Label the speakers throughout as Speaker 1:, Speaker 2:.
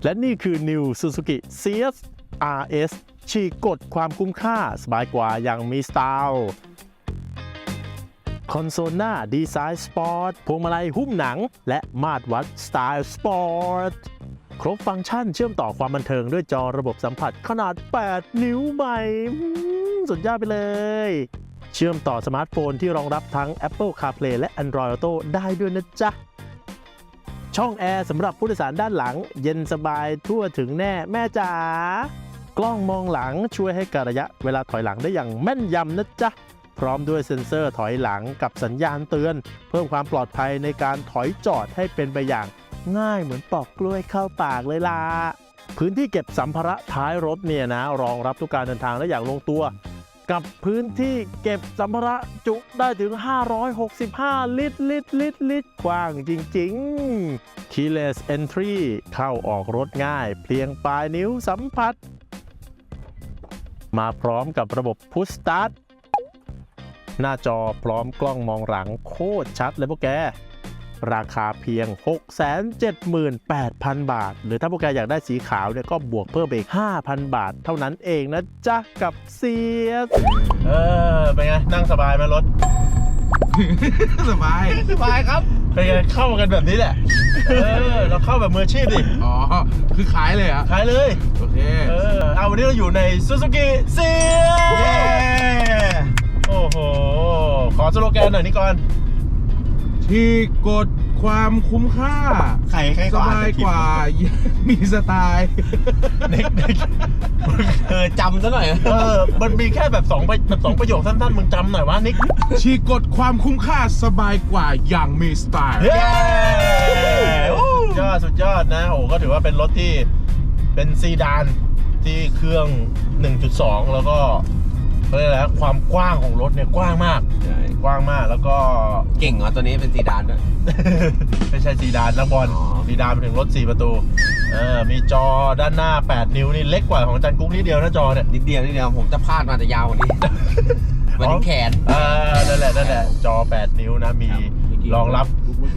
Speaker 1: และนี่คือ New Suzuki CS RS ฉีกกฎความคุ้มค่าสบายกว่าอย่างมีสไตล์คอนโซลหน้าดีไซน์สปอร์ตพวงมาลัยหุ้มหนังและมาตรวัดสไตล์สปอร์ตครบฟังก์ชันเชื่อมต่อความบันเทิงด้วยจอระบบสัมผัสขนาด 8 นิ้วใหม่สุดยอดไปเลยเชื่อมต่อสมาร์ทโฟนที่รองรับทั้ง Apple CarPlay และ Android Auto ได้ด้วยนะจ๊ะช่องแอร์สำหรับผู้โดยสารด้านหลังเย็นสบายทั่วถึงแน่แม่จ๋ากล้องมองหลังช่วยให้กะระยะเวลาถอยหลังได้อย่างแม่นยำนะจ๊ะพร้อมด้วยเซ็นเซอร์ถอยหลังกับสัญญาณเตือนเพิ่มความปลอดภัยในการถอยจอดให้เป็นไปอย่างง่ายเหมือนปอกกล้วยเข้าปากเลยล่ะพื้นที่เก็บสัมภาระท้ายรถเนี่ยนะรองรับทุกการเดินทางได้อย่างลงตัวกับพื้นที่เก็บสัมภาระจุได้ถึง565 ลิตรกว้างจริงๆ Keyless Entry เข้าออกรถง่ายเพียงปลายนิ้วสัมผัสมาพร้อมกับระบบ Push Start หน้าจอพร้อมกล้องมองหลังโคตรชัดเลยพวกแกราคาเพียง 678,000 บาทหรือถ้าพวกแกอยากได้สีขาวเนี่ยก็บวกเพิ่มไปอีก 5,000 บาทเท่านั้นเองนะจ๊ะกับเซียสเป็นไงนั่งสบายไหมรถ
Speaker 2: สบายครับ
Speaker 1: เป็นไงเข้ากันแบบนี้แหละเราเข้าแบบมืออาชีพดิ
Speaker 2: อ๋อคือขายเลยอ่ะ
Speaker 1: ขายเลย
Speaker 2: โอเค
Speaker 1: เอาวันนี้เราอยู่ใน Suzuki เซียสโอ้โหขอสโลแกนหน่อยนี่ก่อน
Speaker 2: ที่กดความคุ้มค่า
Speaker 3: ใคร
Speaker 2: สบายกว่ามีสไตล์
Speaker 1: นิก
Speaker 3: จำซะหน่อย
Speaker 1: มันมีแค่แบบ2ประโยคสั้นๆมึงจำหน่อยวะนิก
Speaker 2: ที่กดความคุ้มค่าสบายกว่าอย่างมีสไตล์
Speaker 1: สุดยอดนะโอ้ก็ถือว่าเป็นรถที่เป็นซีดานที่เครื่อง 1.2 แล้วก็เรียกอะไรความกว้างของรถเนี่ยกว้างมากกว้างมากแล้วก็
Speaker 3: เก่งเหรอตัวนี้เป็นซีดานด้วย
Speaker 1: ไม่ใช่ซีดานนักบอลซีดานไปถึงรถ4 ประตูมีจอด้านหน้า8 นิ้วนี่เล็กกว่าของจันกุ๊กนิดเดียวนะจอเนี่ย
Speaker 3: นิดเดียวผมจะพลาดมาจะยาวกว่านี้มันแขน
Speaker 1: นั่นแหละจอ8 นิ้วนะมีรองรับ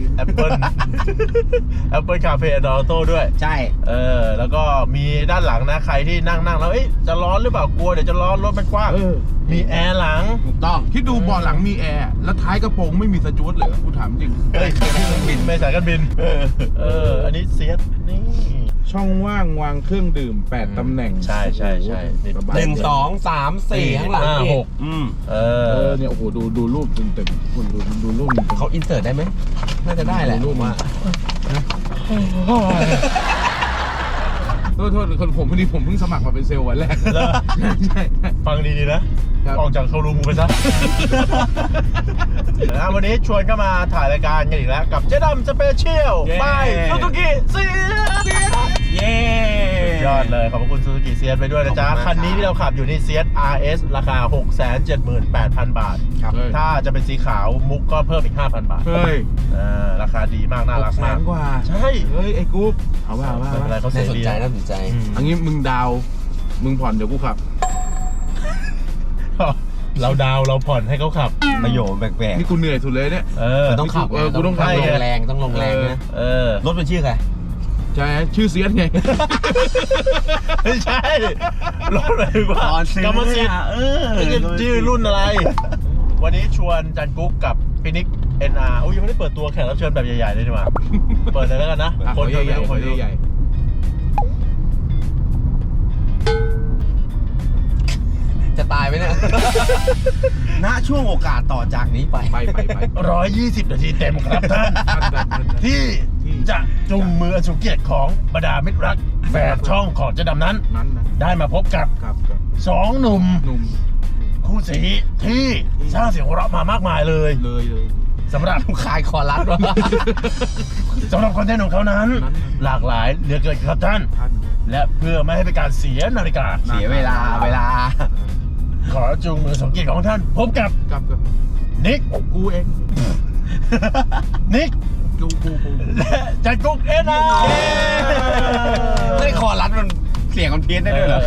Speaker 1: Apple CarPlay Android Auto ด้วย
Speaker 3: ใช่
Speaker 1: แล้วก็มีด้านหลังนะใครที่นั่งแล้วจะร้อนหรือเปล่ากลัวเดี๋ยวจะร้อนรถมันกว้างมีแอร์หลัง
Speaker 3: ถูกต้อง
Speaker 2: คิดดูเบาะหลังมีแอร์แล้วท้ายกระโปรงไม่มีสจ๊วตเลยกูถามจริง
Speaker 1: บินไม่สายการบินอันนี้เซียสนี่
Speaker 2: ช่องว่างวางเครื่องดื่ม8 ตำแหน่ง
Speaker 1: ใช่
Speaker 3: 1 2 3 4ข้างหลัง
Speaker 1: 6
Speaker 2: เนี่ยโอ้โหดูรูปเต็มคุณดูรูป
Speaker 3: เขาอินเสิร์ตได้ไหมน่าจะได้แหละ
Speaker 2: รูปว่าโทษคนผมพอดีผมเพิ่งสมัครมาเป็นเซลล์วันแรกใช่
Speaker 1: ฟังดีๆนะออกจากโชว์รูมไปซะวันนี้ชวนเข้ามาถ่ายรายการกันอีกแล้วกับเจ๊ดำสเปเชียลบายซูซูกิเซียสยอดเลยขอบคุณซูซูกิเซียสไปด้วยนะจ๊ะคันนี้ที่เราขับอยู่นี่เซียส RS ราคา 678,000 บาทถ้าจะเป็นสีขาวมุกก็เพิ่มอีก 5,000 บาทราคาดีมากน่ารักมากใช่
Speaker 2: ไอ้กู๊ปเอาว่า
Speaker 1: อะไรเขาเสียดี
Speaker 3: น่าสนใจ
Speaker 2: อันนี้มึงดาวมึงผ่อนเดี๋ยวกูขับ
Speaker 1: เราดาวเราผ่อนให้เขาขับ
Speaker 3: ประโยชน์แปลกๆ
Speaker 2: นี่กูเหนื่อยสุดเลยเนี่ย
Speaker 3: ต้องขับ
Speaker 2: กูต้องขับ
Speaker 3: ลงแรงนะรถเป็นชื่อใคร
Speaker 2: ใช่ชื่อเซียนไง
Speaker 1: ไม่ใช่รถอะไรวะกรรมสิทธิ์ชื่อรุ่นอะไรวันนี้ชวนจันกุ๊กกับพี่นิก NR ยังไม่ได้เปิดตัวแขกรับเชิญแบบใหญ่ๆเลยดีกว่าเปิดเลยแล้วกันนะ
Speaker 2: คนใหญ่
Speaker 3: จะตายไหมเนี่ย ณ ช่วงโอกาสต่อจากนี้ไป
Speaker 1: 120 นาทีเต็มครับท่านที่จะจุงมือสุเกียรติของบรรดามิตรรักแฝดช่องของเจ๊ดำนั้นได้มาพบกับ2 หนุ่มคู่สีที่สร้างเสียงหัวเราะมามากมายเลยสำหรับ
Speaker 3: ขายคอรัส
Speaker 1: สำหรับคอนเทนต์ของเขานั้นหลากหลายเหลือเกินครับท่านและเพื่อไม่ให้เป็นการเสียนาฬิกา
Speaker 3: เสียเวลา
Speaker 1: ขอจูงมือสมเกียรติของท่านพบกับนิก
Speaker 2: กูเอง
Speaker 1: นิก
Speaker 2: กู
Speaker 1: และจันกุ๊กNR
Speaker 3: ได้คอรัสมันเสียงมันเพี้ยนได้ด้วยเหรอ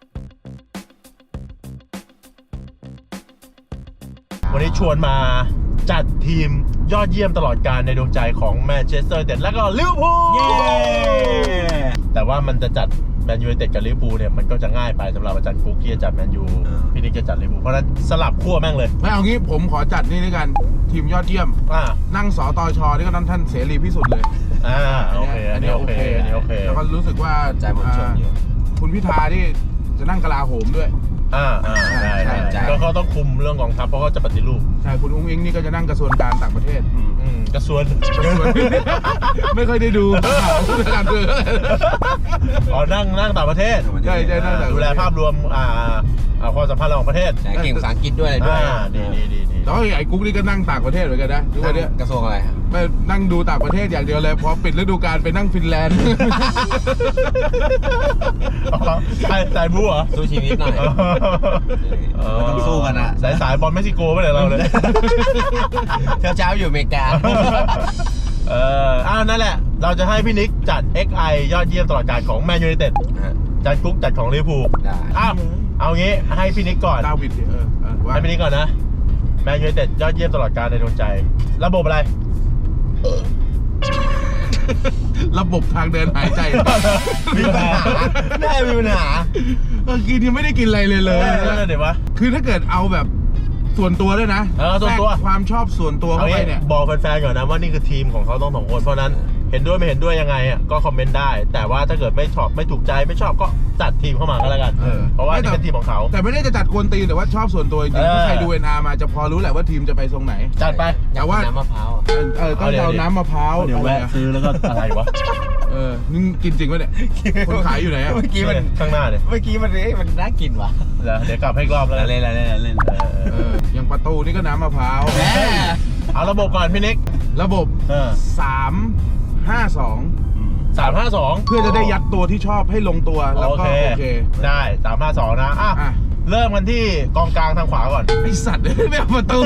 Speaker 1: วันนี้ชวนมาจัดทีมยอดเยี่ยมตลอดกาลในดวงใจของแมนเชสเตอร์ยูไนเต็ดและก็ลิเวอร์พูล
Speaker 3: เย้
Speaker 1: แต่ว่ามันจะจัดแมนยูไนเต็ดกับลิเวอร์พูลเนี่ยมันก็จะง่ายไปสำหรับอาจารย์กุ๊กที่จะจัดแมนยูพี่นิกจะจัดลิเวอร์พูลเพราะฉะนั้นสลับขั้วแม่งเลย
Speaker 2: ไม่เอางี้ผมขอจัดนี่ด้วยกันทีมยอดเยี่ยม
Speaker 1: อ่า
Speaker 2: นั่งสตชนี่ก็ท่านเสรีพิสุทธิ์เลย
Speaker 1: โอเคอันนี้โอเคอันนี้โอเค
Speaker 2: แล้วก็รู้สึกว่า
Speaker 3: ใจมวลชนอยู่
Speaker 2: คุณพิธาที่จะนั่งกลาโหมด้วย
Speaker 1: ได้
Speaker 3: ใช่
Speaker 1: ก็เขาต้องคุมเรื่องกองทัพเพราะเขาจะปฏิรูป
Speaker 2: ใช่คุณอุ้งอิงนี่ก็จะนั่งกระทรวงการต่างประเทศ
Speaker 1: กระทรวง
Speaker 2: ไม่ค่อยได้ดูข่าวเรื่องการเมือง
Speaker 1: อ๋อนั่งต่างประเทศ
Speaker 2: ใช่นั่งต่างประเทศ
Speaker 1: ดูแลภาพรวมความสัมพันธ์ระหว่างประเทศ
Speaker 3: ใช่เก่งภาษาอังกฤษด้วยอะไรด้วย
Speaker 1: ดี
Speaker 2: แล้วไอ้กุ๊กนี่ก็นั่งต่างประเทศเหมือนกันนะทุกวันเนี้ย
Speaker 3: กระทรวงอะไรครับ
Speaker 2: ไม่นั่งดูต่างประเทศอย่างเดียวเลยพอปิดฤดูกาลไปนั่งฟินแลนด์
Speaker 1: สายบู๊เหรอ
Speaker 3: สู้ชีวิตหน่อยมันต้องสู้กันนะ
Speaker 1: สายบอลเม็กซิโกไม่เลยเราเลย
Speaker 3: เช้าอยู่อเมริกา
Speaker 1: นั่นแหละ เราจะให้พี่นิกจัด XI ยอดเยี่ยมตลอดกาลของแมนยูไนเต็ดจัดกุ๊กจัดของลิเวอร์พูล
Speaker 3: ได้
Speaker 1: เอางี้ให้พี่นิกก่อน
Speaker 2: ดาวิดว่า
Speaker 1: ให้พี่นิกก่อนนะแมนยูไนเต็ดยอดเยี่ยมตลอดกาลในดวงใจ ระบบอะไร
Speaker 2: ระบบทางเดินหายใจ
Speaker 3: มีปัญหาได้มีปัญหา
Speaker 2: กินยังไม่ได้กินอะไรเลย
Speaker 1: เดี๋ยววะ
Speaker 2: คือถ้าเกิดเอาแบบส่วนตัวด้วยนะ
Speaker 1: ส่วนตัว
Speaker 2: แทรกความชอบส่วนตัวเข้าไปเนี่ย
Speaker 1: บอกแฟนๆก่อนนะว่านี่คือทีมของเขาต้องสองคนเพราะนั้นเห็นด้วยไม่เห็นด้วยยังไงก็คอมเมนต์ได้ แต่ว่าถ้าเกิดไม่ชอบไม่ถูกใจไม่ชอบก็จัดทีมเข้ามาก็แล้วกันเพราะว่านี่เป็นทีมของเขา
Speaker 2: แต่ไม่ได้จะจัดกวนตีนแต่ว่าชอบส่วนตัวจริงๆถ้าใครดู NR มาจะพอรู้แหละว่าทีมจะไปทรงไหน
Speaker 1: จัดไป
Speaker 2: แต่ว่า
Speaker 3: น้ำมะพร้าว
Speaker 2: ต้องเอาน้ำมะพร้าว
Speaker 1: เดี๋ยว
Speaker 2: อะไร
Speaker 1: แวะ
Speaker 2: อะ
Speaker 1: ซื้อแล้วก็อะไรวะ
Speaker 2: นี่กินจริงปะเนี่ยคนขายอยู่ไหนอะ
Speaker 3: เมื่อกี้มัน
Speaker 1: ข้างหน้าเนี่ย
Speaker 3: เมื่อกี้มันน่ากินว่ะ
Speaker 1: เดี๋ยวกลับให้อีกรอบแล้วกัน
Speaker 3: เล่น
Speaker 2: อย่างประตูนี่ก็น้ำมะพร้าว
Speaker 3: แม่
Speaker 1: เอาระบบก่อนพี่นิก
Speaker 2: ระบบ 3-5-2
Speaker 1: 3-5-2
Speaker 2: เพื่อจะได้ยัดตัวที่ชอบให้ลงตัวแล้วก็โอเค
Speaker 1: ได้3-5-2นะเริ่มกันที่กองกลางทางขวาก่อน
Speaker 2: ไอสัตว์ไม่เอาประตู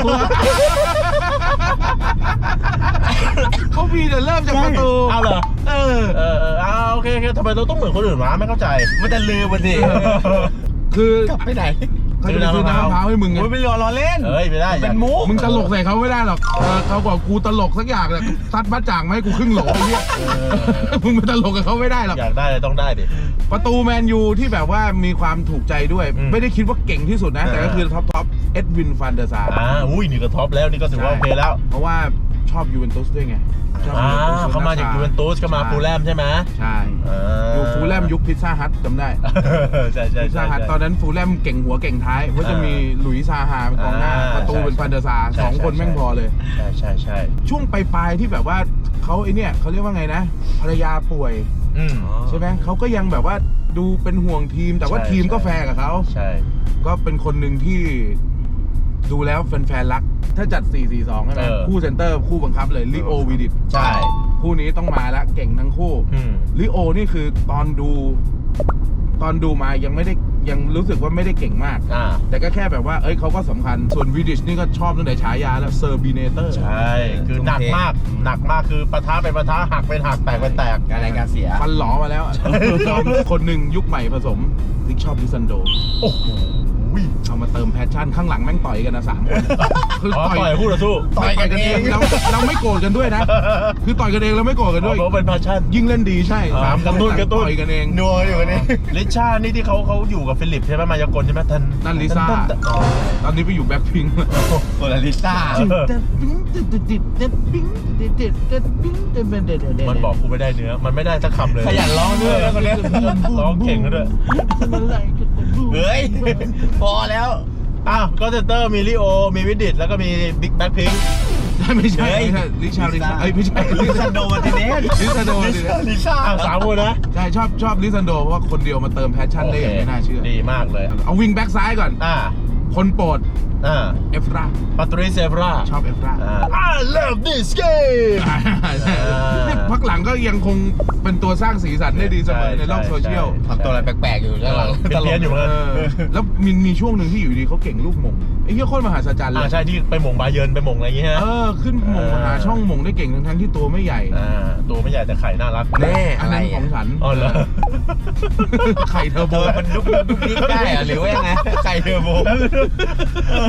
Speaker 2: เขามีแต่เริ่มจากประตู
Speaker 1: เอาเหรอโอเคทำไมเราต้องเหมือนคนอื่นวะไม่เข้าใจ
Speaker 3: มันจะลืมมันดิ
Speaker 2: คือก
Speaker 3: ลับไปไหน
Speaker 2: เขาจะไปซื้อน้ำมะพร้าวให้มึงไง
Speaker 3: โอ้ยไม่รอเล่น
Speaker 1: ไม่ได้
Speaker 3: เป็นมุก
Speaker 2: มึงตลกใส่เขาไม่ได้หรอกเขาบอกกูตลกสักอย่างเลยซัดบ้าจ่างมาให้กูครึ่งโหลไอ้เนี่ยมึงไปตลกกับเขาไม่ได้หรอก
Speaker 1: อยากได้เลยต้องได้ดิ
Speaker 2: ประตูแมนยูที่แบบว่ามีความถูกใจด้วย ไม่ได้คิดว่าเก่งที่สุดนะ แต่ก็คือท็อปเอ็ดวินฟันเดอร์ซาร์
Speaker 1: นี่ก็ท็อปแล้วนี่ก็ถือว่าโอเคแล้ว
Speaker 2: เพราะว่าชอบยูเวนตุสด้วยไงชอบยูเวนตุส
Speaker 1: เขามาจากยูเวนตุสก็มาฟูลแลมใช่ไหม
Speaker 2: ใช่อยู่ฟูลแลมยุคพิซซ่าฮัทจำได้
Speaker 1: ใช่
Speaker 2: พิซซ่าฮัทตอนนั้นฟูลแลมเก่งหัวเก่งท้ายว่าจะมีหลุยส์ซาฮาเป็นกองหน้าประตูเป็นฟันเดอร์ซาร์สองคนแม่งพอเลย
Speaker 1: ใช่
Speaker 2: ช่วงปลายๆที่แบบว่าเขาไอเนี่ยเขาเรียกว่าไงนะภรรยาป่วยใช่ไหมเขาก็ยังแบบว่าดูเป็นห่วงทีมแต่ว่าทีมก็แฟร์กับเขา
Speaker 1: ใช่
Speaker 2: ก็เป็นคนหนึ่งที่ดูแล้วแฟนๆรัก ถ้าจัด 4-4-2 ใช่ไหมคู่เซนเตอร์คู่บังคับเลยลิโอวิดิต
Speaker 1: ใช่
Speaker 2: คู่นี้ต้องมาแล้วเก่งทั้งคู่ลิโอนี่คือตอนดูมายังรู้สึกว่าไม่ได้เก่งมากแต่ก็แค่แบบว่าเขาก็สำคัญส่วนวิดิชนี่ก็ชอบตั้งแต่ฉายาแล้วเซอร์บีเนเตอร์
Speaker 1: ใช่คือหนักมากคือปะทะเป็นปะทะหักเป็นหักแตกเป็นแตก
Speaker 3: การรายการเสีย
Speaker 2: ฟันหลอมาแล้วคนหนึ่งยุคใหม่ผสมลิกชอบลิซันโด
Speaker 1: โอ้โห
Speaker 2: เอามาเติมแพชชั่นข้างหลังแม่งต่อยกันนะ3 คนคือ
Speaker 1: ต่อยคู่ต่อสู้
Speaker 2: ต่อยกันเองเราไม่โกรธกันด้วยนะ คือต่อยกันเองเราไม่โกรธกันด้วย
Speaker 1: เพราะเป็นแพชชั่น
Speaker 2: ยิ่งเล่นดีใช่3
Speaker 1: กระตุ้น
Speaker 2: ต่อยกันเอง
Speaker 3: นัวอยู่นี่
Speaker 1: ลิชานี่ที่เขาอยู่กับฟิลิปใช่ไหมมายากลใช่ไหมท่าน
Speaker 2: นั่นลิซ่าตอนนี้ไปอยู่แบ็คพิงค์
Speaker 3: โซลาริซ่า
Speaker 1: มันบอกกูไม่ได้เนื้อมันไม่ได้สักคำเลย
Speaker 3: ขยันร้องด้วยนะคนนี้
Speaker 1: ร้องเก่งด้วย
Speaker 3: เฮ้ยพอแล้ว
Speaker 1: ก็เซนเตอร์มีลิโอมีวิดิตแล้วก็มีบิ๊กแบ็คพิงค์
Speaker 2: ไม่ใช่ลิชาไม่ใช่
Speaker 3: ลิซันโดมาร์ติเนส
Speaker 2: ลิซันโด
Speaker 3: ลิซ่า
Speaker 1: 3 คนนะ
Speaker 2: ใช่ชอบลิซันโดเพราะว่าคนเดียวมาเติมแพชชั่นได้อย่างไม่น่าเชื่อ
Speaker 1: ดีมากเลย
Speaker 2: เอาวิงแบ็กซ้ายก่อนคนโปรดเอฟรา
Speaker 1: ปาตริเซฟรา
Speaker 2: ชอบเอฟรา
Speaker 1: I love this game
Speaker 2: นี่พักหลังก็ยังคงเป็นตัวสร้างสีสันได้ดีเสมอในโลกโซเชียล
Speaker 3: ทำตัวอะไรแปลกๆอยู่ด้านหลัง
Speaker 1: เพี้ยนอยู่เหมือนกัน
Speaker 2: แล้วมีช่วงหนึ่งที่อยู่ดีเขาเก่งลูกหม่งไอ้เหี้ยโคตรมหาศาลเลย
Speaker 1: ใช่ที่ไปหม่งบาเยิร์นไปหม่งอะไรอย่างเงี้ย
Speaker 2: ขึ้นหม่งหาช่องหม่งได้เก่งทั้งที่ตัวไม่ใหญ่
Speaker 1: ตัวไม่ใหญ่แต่ไข่น่ารัก
Speaker 3: แน่
Speaker 2: อัน
Speaker 3: อะไร
Speaker 2: นั้นของฉัน
Speaker 1: อ๋อเหรอ
Speaker 2: ไข่เทอร์โบ
Speaker 3: มันดุกดิกได้เหรอหรือว่ายังไงไข่เทอร์โบ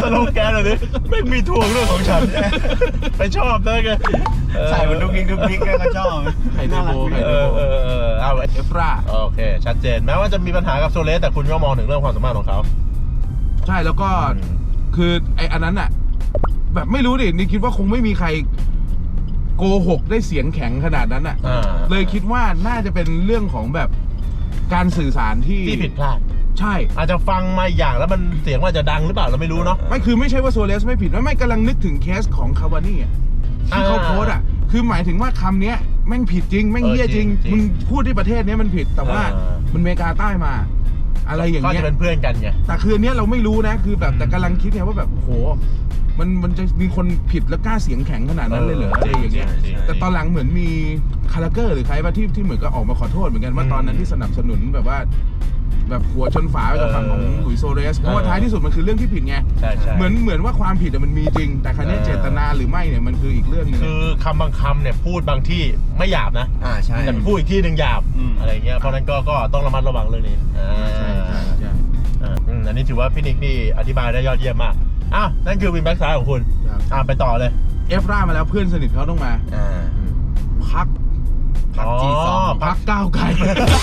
Speaker 1: สโลแกนเลยดิไม่มีทวงเรื่องของฉันไปชอบได้ไง
Speaker 3: ใส่มันดุกดิกก็ชอบ
Speaker 2: ไข่เทอร์โบไข่เทอร์โบ
Speaker 1: เอา
Speaker 2: เอฟรา
Speaker 1: โอเคชัดเจนแม้ว่าจะมีปัญหากับโซเลสแต่คุณก็มองถึงเรื่องความสามารถของเขา
Speaker 2: ใช่แล้วก็คือไออันนั้นอะแบบไม่รู้ดินี่คิดว่าคงไม่มีใครโกหกได้เสียงแข็งขนาดนั้นอะเลยคิดว่าน่าจะเป็นเรื่องของแบบการสื่อสารที่
Speaker 1: ผิดพลาด
Speaker 2: ใช่
Speaker 1: อาจจะฟังมาอย่างแล้วมันเสียงว่าจะดังหรือเปล่าเราไม่รู้เนาะ
Speaker 2: ไม่คือไม่ใช่ว่าโซเลสไม่ผิดไม่กำลังนึกถึงเคสของคาวานี่อะที่เขาโพสต์อะคือหมายถึงว่าคำเนี้ยแม่งผิดจริงแม่งเหี้ยจริงมึงพูดที่ประเทศนี้มันผิดแต่ว่ามันอเมริกาใต้มาอะไรอย่าง
Speaker 1: ก็
Speaker 2: เงี้ย
Speaker 1: จะเป็นเพื่อนกันไง
Speaker 2: แต่คืออันเนี้ยเราไม่รู้นะคือแบบแต่กำลังคิดไงว่าแบบโหมันจะมีคนผิดแล้วกล้าเสียงแข็งขนาดนั้นเลยเหรออะไรอย่างเงี้ยแต่ตอนหลังเหมือนมีคาราเกอร์หรือใครว่าที่เหมือนก็ออกมาขอโทษเหมือนกันว่าตอนนั้นที่สนับสนุนแบบว่าแบบหัวชนฝาไปกับฝั่งของหลุยส์โซเรสเพราะว่าท้ายที่สุดมันคือเรื่องที่ผิดไง
Speaker 1: ใช่
Speaker 2: เหมือนว่าความผิดมันมีจริง แต่ครั้นี้เจตนาหรือไม่เนี่ยมันคืออีกเรื่องนึง
Speaker 1: คือคำบางคำเนี่ยพูดบางที่ไม่หยาบนะ
Speaker 3: ใช่
Speaker 1: แต่พูดอีกที่หนึ่งหยาบอะไรเงี้ยเพราะนั้นก็ต้องระมัดระวังเรื่องนี้
Speaker 2: ใช่
Speaker 1: อันนี้ถือว่าพี่นิกนี่อธิบายได้ยอดเยี่ยมมากอ้าวนั่นคือวินแบ็กซ้ายของคุณไปต่อเลย
Speaker 2: เอฟรามาแล้วเพื่อนสนิทเขาต้องมาพัก
Speaker 3: G2
Speaker 2: พักก้าวไกล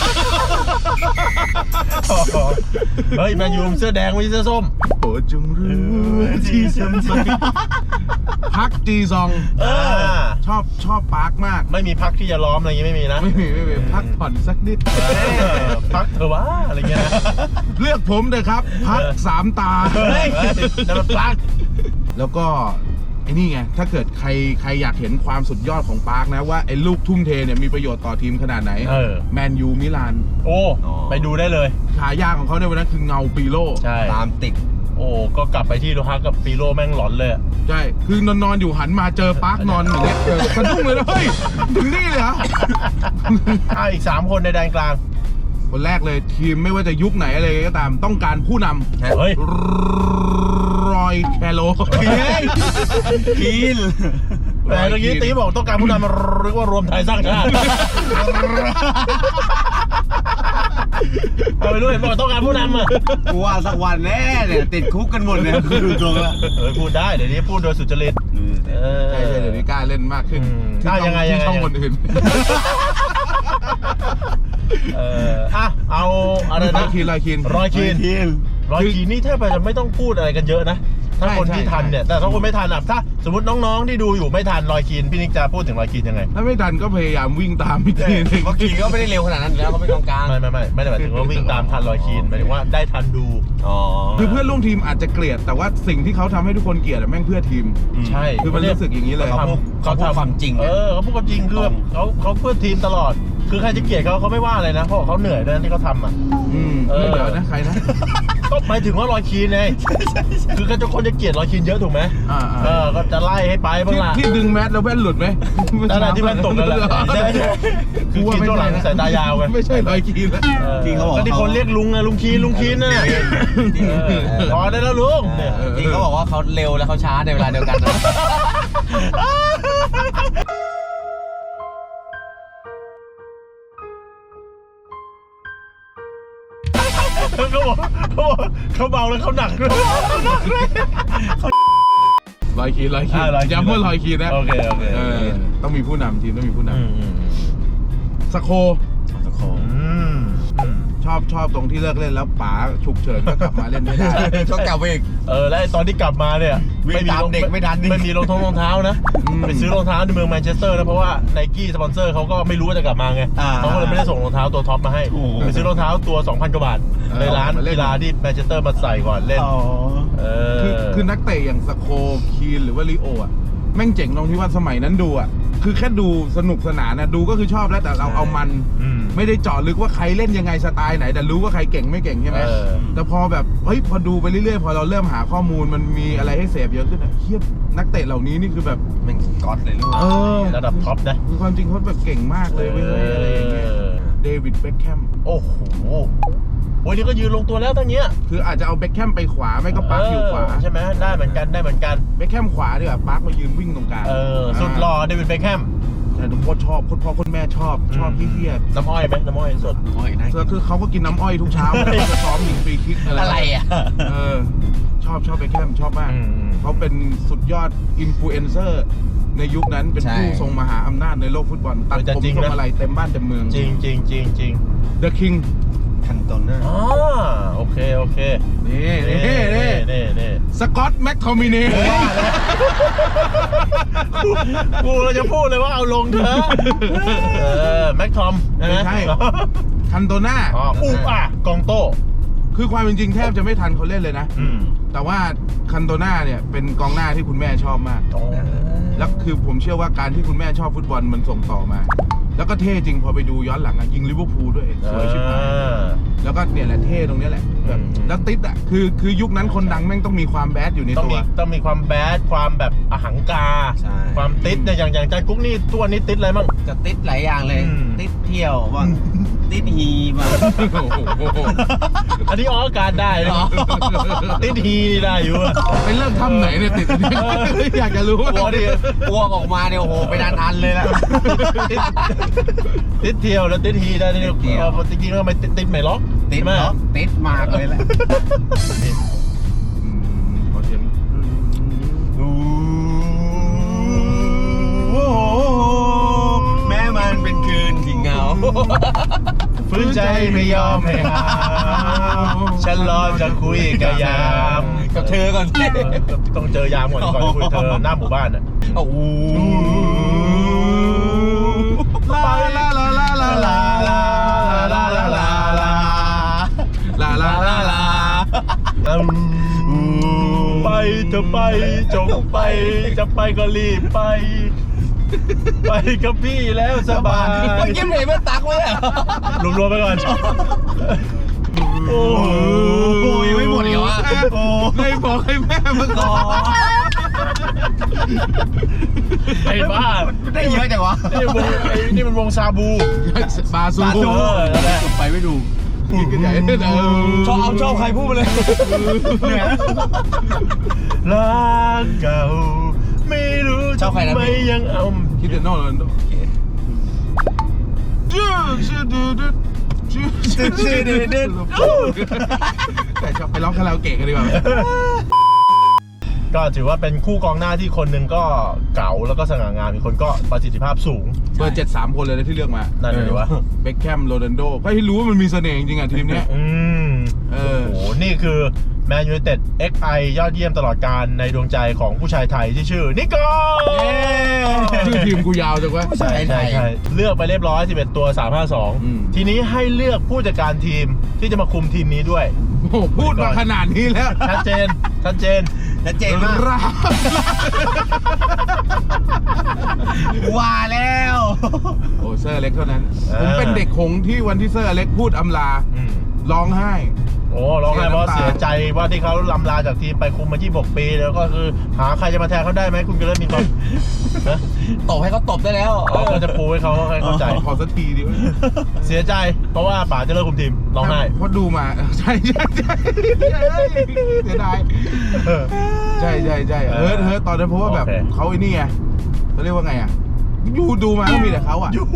Speaker 1: เฮ้ยแมนยูเสื้อแดงไม่ใช่เสื้อส้ม
Speaker 2: โปรดจงรู้ที่ฉันพักG2 ชอบปาร์คมาก
Speaker 1: ไม่มีพักที่จะล้อมอะไรอย่างงี้ไม่มีนะ
Speaker 2: ไม่มีพักผ่อนสักนิด
Speaker 1: พักเถอะวะอะไรเงี้ยนะ
Speaker 2: เลือกผมเลยครับพัก3 ตา
Speaker 1: แล้วมันพัก
Speaker 2: แล้วก็ไอ้นี่ไงถ้าเกิดใครอยากเห็นความสุดยอดของปาร์คนะว่าไอ้ลูกทุ่มเทเนี่ยมีประโยชน์ต่อทีมขนาดไหนแมนยูมิลาน
Speaker 1: ไปดูได้เลย
Speaker 2: ฉายาของเขาในวันนั้นคือเงาปีโล
Speaker 3: ตามติด
Speaker 1: ก็กลับไปที่โลฮากับปีโลแม่งหลอนเลย
Speaker 2: ใช่คือนอนอยู่หันมาเจอปาร์คนอนอย่างเงี้ยสะดุ้งเลยนะเฮ้ยถึงนี่เลยเหรอ
Speaker 1: อีก3 คนในแดนกลาง
Speaker 2: คนแรกเลยทีมไม่ว่าจะยุคไหนอะไรก็ตามต้องการผู้นำรอยแคโร
Speaker 3: คีน
Speaker 1: แต่เมื่อกี้ตีบอกต้องการผู้นำหรือว่ารวมไทยสร้างชาติเอาไปรู้เห็นบอกต้องการผู้นำอ่ะ
Speaker 3: กูว่าสักวันแน่เนี่ยติดคุกกันหมดเนี่ยคือดูตรงละ
Speaker 1: พูดได้เดี๋ยวนี้พูดโดยสุจริต
Speaker 2: ใช่เดี๋ยวนี้กล้าเล่นมากขึ้น
Speaker 1: ยังไง
Speaker 2: ช่องคนอื่น
Speaker 1: เอาอะไรนะ
Speaker 2: รอยคีน
Speaker 1: นี่แทบจะไม่ต้องพูดอะไรกันเยอะนะถ้าคนที่ทันเนี่ยแต่ถ้าคนไม่ทันถ้าสมมติน้องๆที่ดูอยู่ไม่ทันรอยคีนพี่นิกจะพูดถึงรอยคีนยังไง
Speaker 2: ถ้าไม่ทันก็พยายามวิ่งตามพี่ที
Speaker 3: เมื่อกี้ก็ไม่ได้เร็วขนาดนั้นแล้วเขาไม่กองกลาง
Speaker 1: ไม่ได้หมายถึงว่าวิ่งตามทันรอยคีนหมายถึงว่าได้ทันดู
Speaker 2: คือเพื่อนร่วมทีมอาจจะเกลียดแต่ว่าสิ่งที่เขาทำให้ทุกคนเกลียดแม่งเพื่อทีม
Speaker 1: ใช่
Speaker 2: คือมันรู้สึกอย่างนี้เลย
Speaker 3: เขาพูดความจริง
Speaker 1: เขาพูดความจริงคือเขาเพื่อทีมตลอดคือใครจะเกลียดเขาไม่ว่าอะไรนะเพราะเขาเหนื่อยด้วยที่เขาทำ
Speaker 2: ไม่เหนื่อยนะใครนะ
Speaker 1: ก็หมายถึงว่ารอยคีนไงคือคนจะเกลียดรอยคีนเยอะถูกไหมก็จะไล่ให้ไปบ้างล่ะ
Speaker 2: ที่ดึงแมสแล้วแว่นหลุดไหม
Speaker 1: นั่นแหละที่แว่นตกนั่นแหละคือคีนตัวหลังสายตายาวไง
Speaker 2: ไม่ใช่รอยคีนแล้ว
Speaker 3: จริงเขาบอก
Speaker 1: ที่คนเรียกลุงคีนน่ะพอได้แล้วลุง
Speaker 3: จริงเขาบอกว่าเขาเร็วแล้วเขาช้าในเวลาเดียวกัน
Speaker 1: เขาเบาแล้วเขาหนักด้วย
Speaker 2: รอยคีนย้ำว่ารอยคีนนะ
Speaker 1: โอเค
Speaker 2: ต้องมีผู้นำทีมต้องมีผู้นำสโคชอบตรงที่เลิกเล่นแล้วป๋าฉุกเฉินก็กลับมาเล่นไม่ได้
Speaker 3: ก็กลับไปอีก
Speaker 1: แล้วตอนที่กลับมาเนี่ย
Speaker 3: ไม่มีเด็กไม่ทัน
Speaker 1: ไม่มีรองเท้านะไปซื้อรองเท้าในเมืองแมนเชสเตอร์นะเพราะว่าไนกี้สปอนเซอร์เขาก็ไม่รู้ว่าจะกลับมาไงเขาก็เลยไม่ได้ส่งรองเท้าตัวท็อปมาให้ไปซื้อรองเท้าตัว 2,000 กว่าบาทในร้านกีฬาที่แมนเชสเตอร์มาใส่ก่อนเล่น
Speaker 2: คือนักเตะอย่างสโคคีนหรือว่าลิโออ่ะแม่งเจ๋งตรงที่ว่าสมัยนั้นดูอ่ะคือแค่ดูสนุกสนานนะดูก็คือชอบแล้วแต่เราเอามันไม่ได้เจาะลึกว่าใครเล่นยังไงสไตล์ไหนแต่รู้ว่าใครเก่งไม่เก่งใช่ไหมแต่พอแบบพอดูไปเรื่อยๆพอเราเริ่มหาข้อมูลมันมีอะไรให้เสพเยอะขึ้นเทียบนักเตะเหล่านี้นี่คือแบบ
Speaker 3: มันก๊อตเลยลูก
Speaker 1: ระดับท็อปนะ
Speaker 2: คือความจริงเขาแบบเก่งมากเลยไม่ใช่อะไรอย่างเงี้ยเดวิดเบ็คแคม
Speaker 1: โอ้โหวันนี้ก็ยืนลงตัวแล้วตั้งเนี้ย
Speaker 2: คืออาจจะเอาเบ็คแคมไปขวาไม่ก็ปาร์คอยู่ขวา
Speaker 1: ใช่ไหมได้เหมือนกัน
Speaker 2: เบ็คแคมขวาดีกว่าปาร์คมายืนวิ่งตรงกลาง
Speaker 1: สุดหล่อเดวิดเบ็คแคม
Speaker 2: แต่ทุกคนชอบคุณพ่อคุณแม่ชอบพี่เทียบ
Speaker 1: น้ำอ้อยไหมน้ำอ้อยสด
Speaker 2: คือเขาก็กินน้ำอ้อยทุกเช้าจะซ้อมยิงฟรีคิก
Speaker 3: อะไรอ่ะ
Speaker 2: ชชอบเบคแฮมชอบมากเขาเป็นสุดยอดอินฟลูเอนเซอร์ในยุคนั้นเป็นผู้ทรงมหาอำนาจในโลกฟุตบอลตัดผมทรงอะไรเต็มบ้านเต็มเมือง
Speaker 1: จริง
Speaker 2: The King
Speaker 3: คันโตน่า
Speaker 1: โอเค
Speaker 2: นี่สกอตแม็กทอมินี
Speaker 1: กูเราจะพูดเลยว่าเอาลงเถอะแม็กทอม
Speaker 2: ไม่ใช่คันโตน่
Speaker 1: ากองโต้
Speaker 2: คือความจริงแทบจะไม่ทันเขาเล่นเลยนะแต่ว่าคันโตน่าเนี่ยเป็นกองหน้าที่คุณแม่ชอบมากแล้วคือผมเชื่อว่าการที่คุณแม่ชอบฟุตบอลมันส่งต่อมาแล้วก็เท่จริงพอไปดูย้อนหลังยิงลิเวอร์พูลด้วยสวยชิบหายแล้วก็เนี่ยแหละเท่ตรงนี้แหละแบบแล้วติดคือยุคนั้นคนดังแม่งต้องมีความแบดอยู่ในตัว
Speaker 1: ต้องมีความแบดความแบบอหังการความติดเนี่ยอย่างจานกุ๊กนี่ตัวนี้ติดอะไรบ้าง
Speaker 3: จะติดหลายอย่างเลยติดเที่ยวบ้างติดฮีบ้าง
Speaker 1: อันนี้ออกอากาศได้เนาะติดฮีได้อยู่
Speaker 2: ไปเริ่มทำไหนเนี่ยติดอยากจะรู้
Speaker 3: อ้วกออกมาเนี่ยโอ้โหไปอันเลยละ
Speaker 1: ติดเที่ยวแล้วติดฮีได้เนี่ยจริงๆแล้วทำไมติดไม่ล็อก
Speaker 3: ติดไหมติดมากเลยแหละ
Speaker 2: ขอเสียง
Speaker 3: แม้มันเป็นคืนที่เหงา
Speaker 1: ฟื้นใจไม่ยอมให้หาฉันรอจะคุยกับยาม
Speaker 3: กับเธอก่อน
Speaker 1: ต้องเจอยามก่อนจะคุยเธอหน้าหมู่บ้านอ่ะ
Speaker 2: ลาลาลาลาลาลาลาลาลาลาลาลาลาลา
Speaker 1: ไปเธอไปจงไปจะไปก็รีบไปไปกับพี่แล้วสบาย
Speaker 3: ไปยิ้มเลยไม่ตักไว้อะ
Speaker 1: รวมๆไปก่อนโอ้
Speaker 3: ยไม่หมดเหรอวะ
Speaker 2: ไม่บอกให้แม่มาก่อน
Speaker 1: ไอ้บ้า
Speaker 3: ได้เยอะจังวะ
Speaker 1: นี่มันวงซาบู
Speaker 2: บาซู
Speaker 3: ไปไม่ดู
Speaker 2: กันใหญ่เลย
Speaker 3: ชอบใครพูดมาเลย
Speaker 1: รักเก่าไม่รู้
Speaker 3: ชอบใครนะ
Speaker 1: ไม่ยังเอา
Speaker 2: คิดถึงนอกเลยแต่ชอบไปร้องคาราโอเกะกันดีกว่า
Speaker 1: ก็ถือว่าเป็นคู่กองหน้าที่คนหนึ่งก็เก๋าแล้วก็สง่างามอีกคนก็ประสิทธิภาพสูง
Speaker 2: เบอร์7-3 คนเลยนะที่เลือกมา
Speaker 1: นั่นเลยวะ
Speaker 2: เบคแฮมโรนัลโดก็ให้รู้ว่ามันมีเสน่ห์จริงๆอ่ะทีมนี้
Speaker 1: โอ้โหนี่คือแมนยูไนเต็ด XI ยอดเยี่ยมตลอดการในดวงใจของผู้ชายไทยที่ชื่อนิโก้
Speaker 2: ชื่อทีมกูยาวจังวะ
Speaker 1: ใช่เลือกไปเรียบร้อย11ตัว352ทีนี้ให้เลือกผู้จัดการทีมที่จะมาคุมทีมนี้ด้วย
Speaker 2: โอ้พูดมาขนาดนี้แล้ว
Speaker 1: ชัดเจน
Speaker 3: มากว่าแล้ว
Speaker 2: โอ้เซอร์อเล็กเท่านั้นผมเป็นเด็กหงที่วันที่เซอร์อเล็กพูดอำลาร้องไห้
Speaker 1: ร้องไห้เพราะเสียใจว่าที่เขาลำลาจากทีมไปคุมมา26 ปีแล้วก็คือหาใครจะมาแทนเขาได้ไหมคุณก็เริ่มมีความ
Speaker 3: ตบให้เขาตบได้แล้ว
Speaker 1: ก็จะปูให้เขาให้เข้าใจ
Speaker 2: ขอสักทีดิ
Speaker 1: เสียใจเพราะว่าป๋าจะเลิกคุมทีมร้องไห้
Speaker 2: เพราะดูมาใช่เสียดายใช่เฮ้ยตอนนั้นเพราะว่าแบบเขาไอ้นี่ไงเขาเรียกว่าไงอ่ะดูมาก็มีแต่เขาอ่ะ
Speaker 3: ยู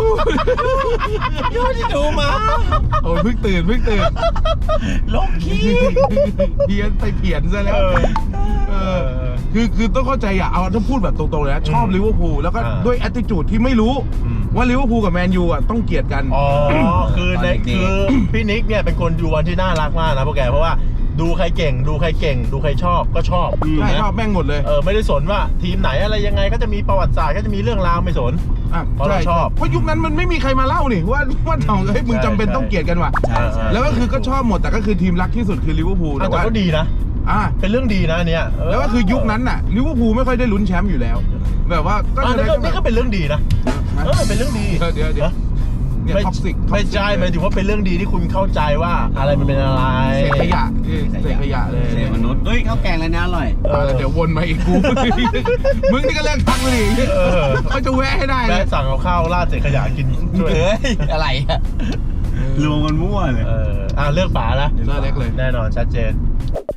Speaker 3: ที่ดูมา
Speaker 2: โอ้ยเพิ่งตื่น
Speaker 3: ลงขี้
Speaker 2: เพี้ยนซะแล้วคือต้องเข้าใจอ่ะเอาถ้าพูดแบบตรงๆเลยนะชอบลิเวอร์พูลแล้วก็ด้วยแอตติจูดที่ไม่รู้ว่าลิเวอร์พูลกับแมนยูอ่ะต้องเกลียดกัน
Speaker 1: คือพี่นิกเนี่ยเป็นคนดูวันที่น่ารักมากนะพวกแกเพราะว่าดูใครเก่งดูใครชอบก็ชอบ
Speaker 2: ชอบแม่งหมดเลย
Speaker 1: ไม่ได้สนว่าทีมไหนอะไรยังไงก็จะมีประวัติศาสตร์ก็จะมีเรื่องราวไม่สนเพราะเราชอบ
Speaker 2: เพราะยุคนั้นมันไม่มีใครมาเล่านี่ว่าเฮ้ยมึงจำเป็นต้องเกลียดกันว่ะแล้วก็คือก็ชอบหมดแต่ก็คือทีมรักที่สุดคือลิเวอร์พูล
Speaker 1: แต่ว่าก็ดีนะเป็นเรื่องดีนะเนี่ย
Speaker 2: แล้วก็คือยุคนั้นน่ะลิเวอร์พูลไม่ค่อยได้ลุ้นแชมป์อยู่แล้วแบบว่า
Speaker 1: นี่ก็เป็นเรื่องดีนะเป็นเรื่องดี
Speaker 2: เดี๋ยว
Speaker 1: ไม่ใช่หมายถึงว่าเป็นเรื่องดีที่คุณเข้าใจว่าอะไรมันเป็นอะไร
Speaker 2: เศษขยะเลย
Speaker 3: เศษมนุษย์ข้าวแกงอะไรนะอร่อย
Speaker 2: เดี๋ยววนมาอีกกูมึงนี่ก็เลิกทำเลยเขาจะแวะให้ได้
Speaker 1: เลยสั่งเอาข้าวราดเศษขยะกิน
Speaker 3: ด้วยอะไรรวมกันมั่วเลย
Speaker 1: เลือกป๋านะ
Speaker 2: เลือกเล็กเลย
Speaker 1: แน่นอนชัดเจน